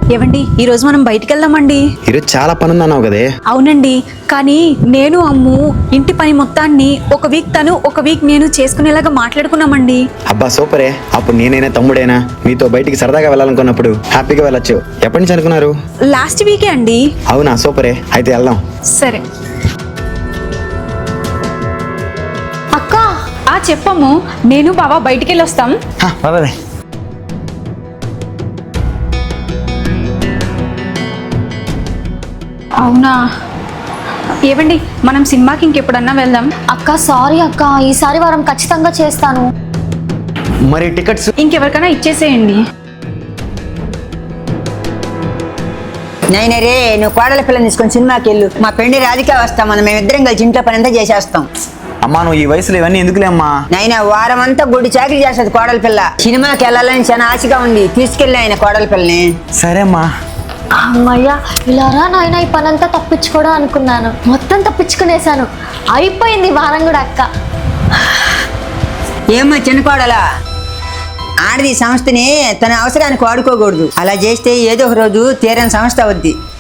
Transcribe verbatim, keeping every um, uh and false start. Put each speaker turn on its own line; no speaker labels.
ఏవండి ఈ రోజు మనం బయటికి వెళ్దామండి.
ఈరోజు చాలా పని ఉందన్నావు కదే.
అవునండి, కానీ నేను అమ్ము ఇంటి పని మొత్తాన్ని ఒక వీక్ తను ఒక వీక్ నేను చేసుకునేలాగా మాట్లాడుకున్నామండి.
అబ్బా సూపరే. అప్పుడు నేనైనా తమ్ముడైనా మీతో బయటికి సరదాగా వెళ్ళాలనుకున్నప్పుడు హ్యాపీగా వెళ్ళొచ్చు. ఎప్పటి నుంచి అనుకున్నారు?
లాస్ట్ వీకే అండి.
అవునా, సూపరే. అయితే వెళ్దాం.
సరే అక్క. ఆ చెప్పము, నేను బావ బయటికి వెళ్ళి వస్తాం.
పదవే.
అవునా, ఏవండి మనం సినిమాకి ఇంకెప్పుడన్నా వెళ్దాం.
అక్క సారీ అక్క, ఈసారి వారం ఖచ్చితంగా చేస్తాను.
మరి టికెట్స్
ఇంకెవరికైనా ఇచ్చేసేయండి.
నైనా రే, నువ్వు కోడల పిల్లని తీసుకొని సినిమాకి వెళ్ళు. మా పెండి రాధిక వస్తాం, మనం మేమిద్దరం కలిసి ఇంట్లో పని అంతా చేసేస్తాం.
అమ్మా నువ్వు ఈ వయసులో ఇవన్నీ ఎందుకులే అమ్మా.
నైనా వారం అంతా గుడి చాకరీ చేస్తుంది కోడల పిల్ల. సినిమాకి వెళ్ళాలని చాలా ఆశగా ఉంది, తీసుకెళ్ళి ఆయన కోడల పిల్లని.
సరే అమ్మా.
అమ్మయ్య, ఇలారా నాయన, ఈ పని అంతా తప్పించుకోవడం అనుకున్నాను, మొత్తం తప్పించుకునేసాను. అయిపోయింది వారం కూడా అక్క.
ఏమ్మా చిన్న కోడలా, ఆడది సంస్థని తన అవసరానికి వాడుకోకూడదు. అలా చేస్తే ఏదో ఒక రోజు తీరని సంస్థ అవుద్ది.